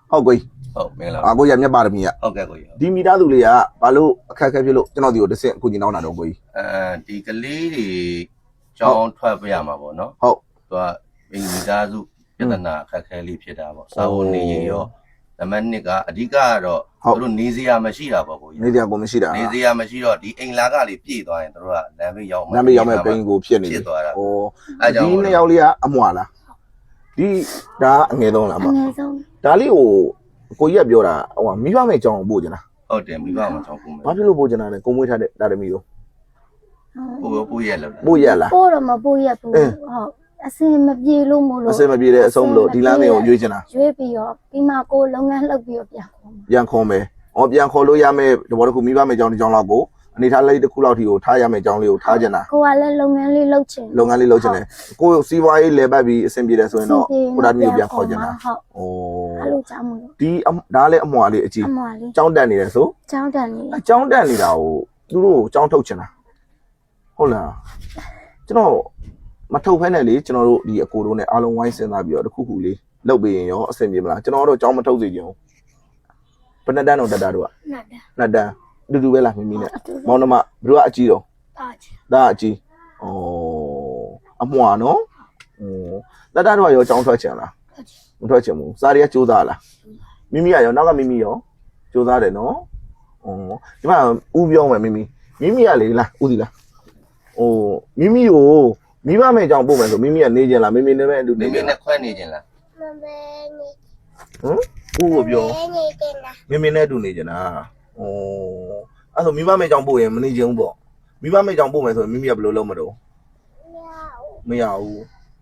ဟုတ်ကွေးဟုတ်မင်္ဂလာကိုရမြတ်ပါရမီကဟုတ်ကဲ့ကိုကြီးဒီမိသားစုလေးကဘာလို့အခက်အခဲဖြစ်လို့ကျွန်တော်ဒီကိုတစ်ဆင့်အခုညီနောင်းတာတော့ကိုကြီးဒီကလေးတွေကြောင်းထွက်ပြရမှာပေါ့နော်ဟုတ်သူကမိသားစုပြဿနာအခက်ခဲလေးဖြစ်တာပေါ့စာဝန်နေရင်ရောနံပါတ်1ကအဓိကကတော့သူတို့နေစရာမရှိတာပေါ့ကိုကြီးနေစရာကိုမရှိတာနေစရာမရှိတော့ဒီအိမ်လာကလေးပြည့်သွားရင်သူတို့ကလမ်းဘေးရောက်နာမည်ရောက်မဲ့ပိန်ကိုဖြစ်နေဖြစ်သွားတာဩဒီနှစ်ယောက်လေးကအမွာလားဒီဒါအငယ်ဆုံးလားအမအငယ်ဆုံးဒါလေးကိုကြီးကပြောတာဟိုမိဘမဲ့ကြောင်းပို့ကြလားဟုတ်တယ်မိဘမှာကြောင်းပို့မယ်ဘာဖြစ်လို့ပို့ကြတာလဲကိုမွေးထားတဲ့ဒါသမီးတို့ပို့ရလို့ပို့ရလားပို့တော့မပို့ရဘူးဟုတ်အစင်မပြေလို့မို့လို့အစင်မပြေတဲ့အဆုံးမလို့ဒီလမ်းလေးကိုရွေးချင်တာရွေးပြီးတော့ပြီးမှကိုလုပ်ငန်းလှုပ်ပြီးတော့ပြန်ခေါ်မှာပြန်ခေါ်မယ်ပြန်ခေါ်လို့ရမယ်တဘောတစ်ခုမိဘမဲ့ကြောင်းတစ်ကြောင်းလောက်ကိုအနေထားလေးတစ်ခုလောက်ထိကိုထားရမယ်ကြောင်းလေးကိုထားကြတာကိုကလည်းလုပ်ငန်းလေးလုပ်ချင်လုပ်ငန်းလေးလုပ်ချင်တယ်ကိုစီးပွားရေးလဲပတ်ပြီးအဆင်ပြေတယ်ဆိုရင်တော့ကိုဒါမျိုးပြန်ခေါ်ကြတာဟုတ်ဩအဲ့လိုကြောင့်မို့လို့ဒီဒါလည်းအမွာလေးအကြီးအမွာလေးကြောင်းတက်နေတယ်ဆိုကျောင်းတန်နေအကြောင်းတက်နေတာကိုသူတို့ကိုကြောင်းထုတ်ချင်တာဟုတ်လားကျွန်တော်မထုတ်ဖဲနဲ့လေကျွန်တော်တို့ဒီအကိုတို့နဲ့အားလုံးဝိုင်းစဉ်းစားပြီးတော့တစ်ခုခုလေးလုပ်ပေးရင်ရောအဆင်ပြေမလားကျွန်တော်တို့ကြောင်းမထုတ်စေချင်ဘူးဘယ်နှစ်တန်းတော့တက်တာတို့ကနှစ်တန်းနှစ်တန်းအတူတူပဲလားမိမိနဲ့မောင်နှမဘယ်သူကအကြီးတော့ပါချင်ဒါအကြီးဩအမွာနော်တက်တာတို့ကရောကြောင်းထွက်ချင်လားမထွက်ချင်ဘူးစားရကစူးစားလားမိမိကရောနောက်ကမိမိရောစူးစားတယ်နော်ဒီမှာဦးပြောမယ်မိမိကလေလားဦးစီလားမိမိကိုမိဘမဲ့ကြောင်ပို့မယ်ဆိုမိမိကနေကျင်လားမိမိနဲ့ပဲအတူမိနေမိကျင်နဲ့လားခွဲနေခြင်းလားမမေနေဦးကိုပြောနေတင်လားမိနဲ့အတူနေကျင်လားအဲ့ဆိုမိဘမဲ့ကြောင်ပို့ရင်မနေကျင်ဘူးပေါ့မိဘမဲ့ကြောင်ပို့မယ်ဆိုရင်မိမိကဘယ်လိုလုပ်မတော့မရဘူး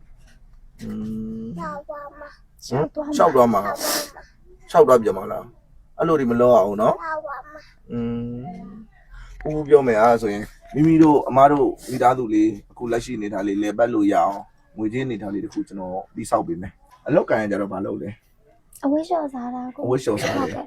ရောက်ပါမရှောက်သွားမှာရှောက်သွားပြန်မလားအဲ့လိုဒီမလုပ်အောင်နော်ရောက်ပါမဦးပြောမယ်အားဆိုရင်မိမိတို့အမားတို့မိသားစုလေးအခုလက်ရှိနေတာလေးလဲပတ်လို့ရအောင်ငွေချင်းနေတာလေးတခုကျွန်တော်တိဆောက်ပေးမယ်အလောက်ကန်ရကြတော့မလုပ်လဲအဝိရှော်စားတာကိုဝစ်ရှော်စားတယ်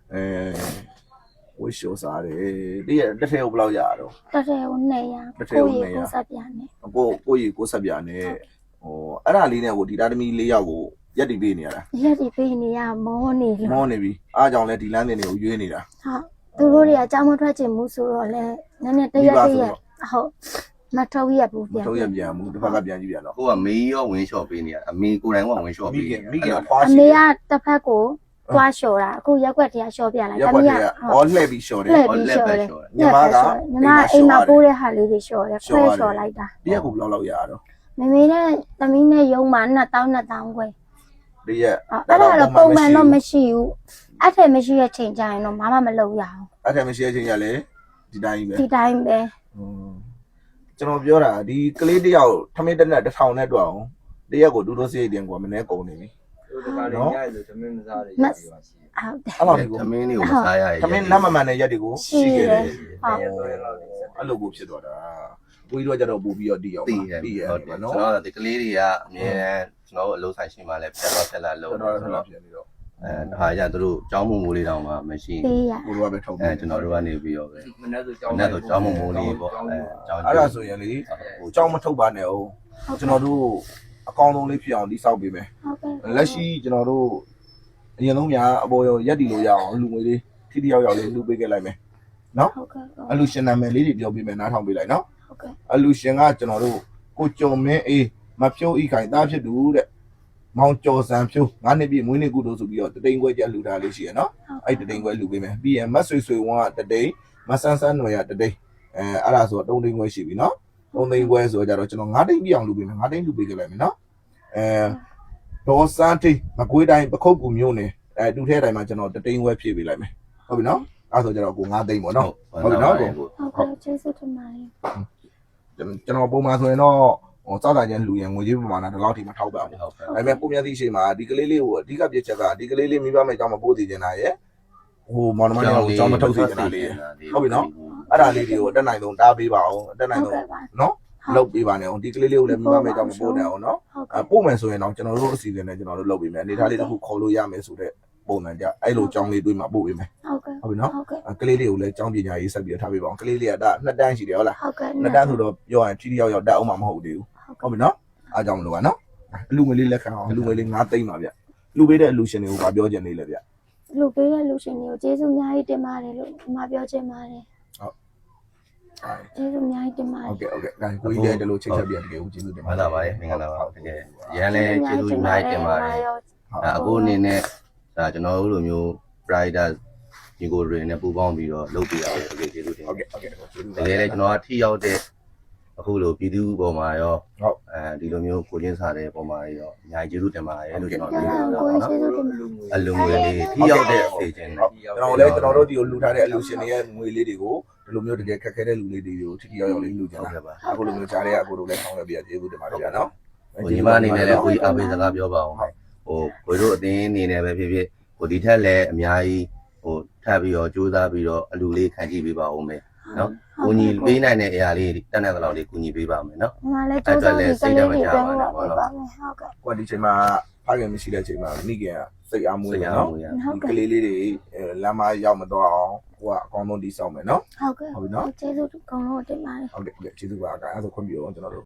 ဝစ်ရှော်စားတယ်တည့်ရတစ်ထည့်ကိုဘယ်လောက်ရတော့တက်တယ်ကို200ကိုဆက်ပြန်နေကိုကြီးကိုဆက်ပြနဲ့အဲ့ဒါလေးနဲ့ကိုဒီသားသမီး၄ယောက်ကိုရက်တည်ပေးနေရတာရက်ဒီပေးနေရမောနေလို့မောနေပြီအားကြောင့်လဲဒီလမ်းတင်တွေကိုရွေးနေတာဟုတ်သူတို့တွေကအကြောင်းမထွက်ချင်ဘူးဆိုတော့လဲနည်းနည်းတရက်ဟုတ်မထုတ်ရဘူးပြန်ထုတ်ရပြန်မှုတစ်ဖက်ကပြန်ကြည့်ပြန်တော့ကိုကမေးရောဝင်လျှော့ပေးနေရအမေကိုယ်တိုင်ကဝင်လျှော့ပေးနေမိခင်ဖွားအရှိမေကတစ်ဖက်ကိုတွားလျှော်တာအခုရက်ွက်တရားလျှော်ပြလိုက်ရက်ွက်တွေကလှည့်ပြီးလျှော်တယ်လှည့်ပြီးလျှော်တယ်ညီမအိမ်မှာပိုးတဲ့ဟာလေးတွေလျှော်တယ်ခွဲလျှော်လိုက်တာတရက်ကိုဘယ်လောက်ရတော့မမေနဲ့သမီးနဲ့ရုံမှာ2000ခွဲတရက်အဲ့ဒါတော့ပုံမှန်တော့မရှိဘူးအဲ့ထက်မရှိတဲ့ချိန်ကျရင်တော့မမလုပ်ရအောင်အဲ့ထက်မရှိတဲ့ချိန်ရလေဒီတိုင်းပဲဒီတိုင်းပဲကျွန်တော်ပြောတာဒီကလေးတယောက်ထမင်းတက်နဲ့1000နဲ့တွက်အောင်တရက်ကိုဒူးဒိုးစိတ်တင်ကွာမနေ့ကုန်နေပြီတို့တကားလေးညရလို့သမင်းမစားတယ်ဟုတ်တယ်အဲ့လိုမျိုးသမင်းလေးကိုမစားရရထမင်းနတ်မမှန်တဲ့ရက်တွေကိုရှိခဲ့တယ်ဟုတ်အဲ့လိုကိုဖြစ်သွားတာကိုကြီးတို့ကကြတော့ပို့ပြီးတော့တီးအောင်တည်တီးရဟုတ်တယ်နော်ကျွန်တော်တို့ဒီကလေးတွေကအမြဲကျွန်တော်တို့အလုပ်ဆိုင်ရှိမှလည်းဖြတ်တော့ဖြတ်လာလို့တော်ဆိုတော်တော့ဖြစ်နေတော့ဒါကြသူတို့ကြောင်းမိုးလေးတောင်မှမရှိပေးရကိုတို့ကပဲထုတ်ကျွန်တော်တို့ကနေပြီးတော့ပဲမနေ့ဆိုကြောင်းနဲ့ဆိုကြောင်းမိုးလေးပေါ့ကြောင်းအဲ့ဒါဆိုရင်လေဟိုကြောင်းမထုတ်ပါနဲ့အောင်ကျွန်တော်တို့အကောင်းဆုံးလေးဖြစ်အောင်တိဆောက်ပေးမယ်ဟုတ်ကဲ့လက်ရှိကျွန်တော်တို့အရင်ဆုံးများအပေါ်ရောရက်တီလို့ရအောင်လူငွေလေးထိတိယောက်ယောက်လေးလူပေးခဲ့လိုက်မယ်နော်ဟုတ်ကဲ့အလူရှင်နာမည်လေးတွေပြောပေးမယ်နားထောင်ပေးလိုက်နော်ဟုတ်ကဲ့အလူရှင်ကကျွန်တော်တို့ကိုကျော်မင်းအေးမဖြိုးဤခိုင်သားဖြစ်သူတဲ့မောင်ကျော်စံဖြိုး9နှစ်ပြည့်မွေးနေ့ကုသိုလ်ဆိုပြီးတော့တတိန်ခွဲကျလှူတာလေးရှိရနော်အဲ့တတိန်ခွဲလှူပေးမယ်ပြီးရင်မတ်ဆွေဆွေဝန်းကတတိန်မဆန်းဆန်းຫນွယ်ကတတိန်အဲ့ဒါဆိုတော့3တိန်ခွဲရှိပြီနော်3တိန်ခွဲဆိုတော့ကြတော့ကျွန်တော်9တိန်ပြအောင်လှူပေးမယ်9တိန်လှူပေးခဲ့လိုက်မယ်နော်ဒေါ်စန်းတိန်မကွေးတိုင်းပခုတ်ကူမျိုးနယ်တူထဲတိုင်းမှာကျွန်တော်တတိန်ခွဲဖြည့်ပေးလိုက်မယ်ဟုတ်ပြီနော်အဲ့ဆိုကြတော့ကို9တိန်ပေါ့နော်ဟုတ်ပြီနော်ကိုဟုတ်ကဲ့ကျေးဇူးတင်ပါတယ်ကျွန်တော်ပုံမှန်ဆိုရင်တော့ဟိုစောက်တာချင်းလူရင်ငွေကြီးပမာဏဒီလောက်ထိမထောက်ပါဘူးဟုတ်ကဲ့ဒါပေမဲ့ပုံမြတ်သီးရှိမှာဒီကလေးလေးကိုအဓိကပြစ်ချက်ကဒီကလေးလေးမိဘမဲ့အကြောင်းမပို့သေးချင်တာရဲ့ဟိုမောင်နှမတွေကိုအကြောင်းမထုတ်သေးချင်တာလေးဟုတ်ပြီနော်အဲ့ဒါလေးတွေကိုတက်နိုင်ဆုံးတားပေးပါအောင်တက်နိုင်ဆုံးနော်လုပ်ပေးပါနဲ့အောင်ဒီကလေးလေးကိုလည်းမိဘမဲ့အကြောင်းမပို့နဲ့အောင်နော်ဟုတ်ကဲ့ပို့မယ်ဆိုရင်တော့ကျွန်တော်တို့အစီအစဉ်နဲ့ကျွန်တော်တို့လုပ်ပေးမယ်အနေထားလေးတစ်ခုခေါ်လို့ရမယ်ဆိုတဲ့ပုံစံကြအဲ့လိုအကြောင်းလေးတွေးမှာပို့ပေးမယ်ဟုတ်ကဲ့ဟုတ်ပြီနော်ဟုတ်ကဲ့ကလေးလေးကိုလည်းအကြောင်းပညာရေးဆက်ပြီးထားပေးပါအောင်ကလေးလေးကဒါ2တန်းရှိတယ်ဟုတ်လားဟုတ်ကဲ့နှစ်တန်းဆိုတော့ပြောရင်ထိတိယောက်ယောက်တက်အောင်မှာမဟုတ်သေးဘူးဟုတ်ပြီနော်အားကြောင့်မလို့ပါနော်အလူငွေလေးလက်ခံအောင်အလူငွေလေး9သိန်းပါဗျလူပေးတဲ့အလူရှင်တွေကိုဗာပြောချင်နေလေဗျလူပေးတဲ့လူရှင်တွေကိုကျေးဇူးအများကြီးတင်ပါတယ်လို့ဒီမှာပြောချင်ပါတယ်ကျေးဇူးအများကြီးတင်ပါတယ်ဟုတ်ကဲ့ဒါကိုကြီးလည်းဒီလိုချိတ်ဆက်ပြတကယ်ကိုကျေးဇူးတင်ပါမှန်လားပါရဲ့မင်္ဂလာပါတကယ်ရန်လည်းကျေးဇူးအများကြီးတင်ပါတယ်အခုအနေနဲ့ဒါကျွန်တော်တို့လိုမျိုး rider ညီကိုတွေနဲ့ပူးပေါင်းပြီးတော့လုပ်ပြရအောင်တကယ်ကျေးဇူးတင်ဟုတ်ကဲ့ကျေးဇူးတကယ်လည်းကျွန်တော်ကထိရောက်တဲ့အခုလိုပြည်သူပေါ်မှာရောဟုတ်ဒီလိုမျိုးကိုချင်းစားတဲ့ပုံမှာရောအများကြီးကျေးဇူးတင်ပါတယ်လို့ကျွန်တော်ကျေးပြောဇူးတာကိုပါကျေးနော်ဇူးတင်ပါတယ်အလုံးငွေလေးထိရောက်တဲ့အခြေချင်းနဲ့ကျွန်တော်တို့ဒီကိုလှူထားတဲ့အလူရှင်တွေရဲ့ငွေလေးတွေကိုဒီလိုမျိုးတကယ်ခက်ခဲတဲ့လူလေးတွေကိုထိထိရောက်ရောက်လေးလှူကြတာအခုလိုမျိုးကြားတဲ့အကိုတို့လည်းဆောင်ရွက်ပြကျေးဇူးတင်ပါတယ်ဗျာနော်ဟိုညီမအနေနဲ့လည်းကိုကြီးအားပေးစကားပြောပါအောင်မယ်ဟိုကိုတို့အတင်းအနေနဲ့ပဲဖြစ်ဖြစ်ဟိုဒီထက်လည်းအများကြီးဟိုထပ်ပြီးတော့စူးစမ်းပြီးတော့အလူလေးခံကြည့်ပေးပါဦးမယ်နော်ကိုကြီးပေးနိုင်တဲ့အရာလေးတက်တဲ့လောက်လေးကိုကြီးပေးပါမယ်နော်ဒီမှာလည်းကျေးဇူးတင်ကလေးတွေပြောပါမယ်ဟုတ်ကဲ့ကွာဒီချိန်မှာဖခင်မရှိတဲ့ချိန်မှာမိခင်ကစိတ်အားမွေးတယ်နော်ဟုတ်ကဲ့ကလေးလေးတွေလမ်းမရောက်မတော့အောင်ဟိုကအကောင်းဆုံးတိစောက်မယ်နော်ဟုတ်ကဲ့ကျေးဇူးအကုန်လုံးတင်ပါတယ်ဟုတ်ကဲ့ကျေးဇူးပါအဲ့ဒါဆိုခွင့်ပြုအောင်ကျွန်တော်တို့